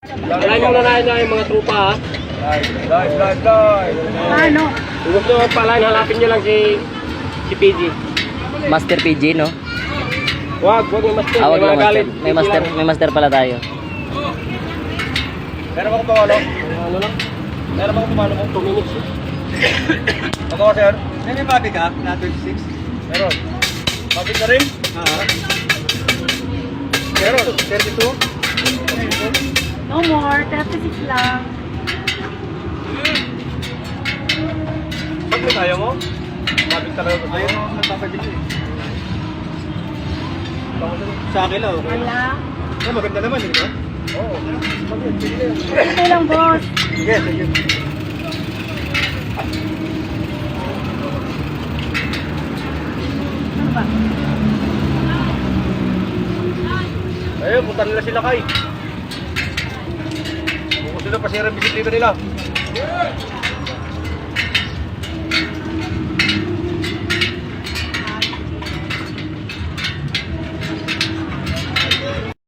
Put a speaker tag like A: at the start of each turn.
A: Wala nyo na yung mga trupa ha.
B: Live.
C: Ano?
A: Kung gusto nyo pala, hanapin nyo lang si PG.
D: Master PG, no?
A: Wag yung master.
D: Awag
A: May
D: lang
A: mga
D: master.
A: galit.
D: May master pala tayo.
B: Meron ba kung pamalo?
A: Ano lang?
B: Meron ba kung pamalo mo?
A: 2 minutes.
B: Ako, sir. May mabi ka na 26? Meron. Mabi ka rin? Meron. 32?
C: No more, 36 lang.
B: Pag may kaya mo? Mabi talaga ko. Ayaw mo, nagpapagili. Sa akin lang, okay.
C: Wala.
B: Ay, maganda naman, di ba? Oo.
C: Ito lang, boss.
B: Yes, sige.
C: Ano ba?
B: Ayun, punta nila sila kay. Kung gusto nila pasira ang bisikleta nila.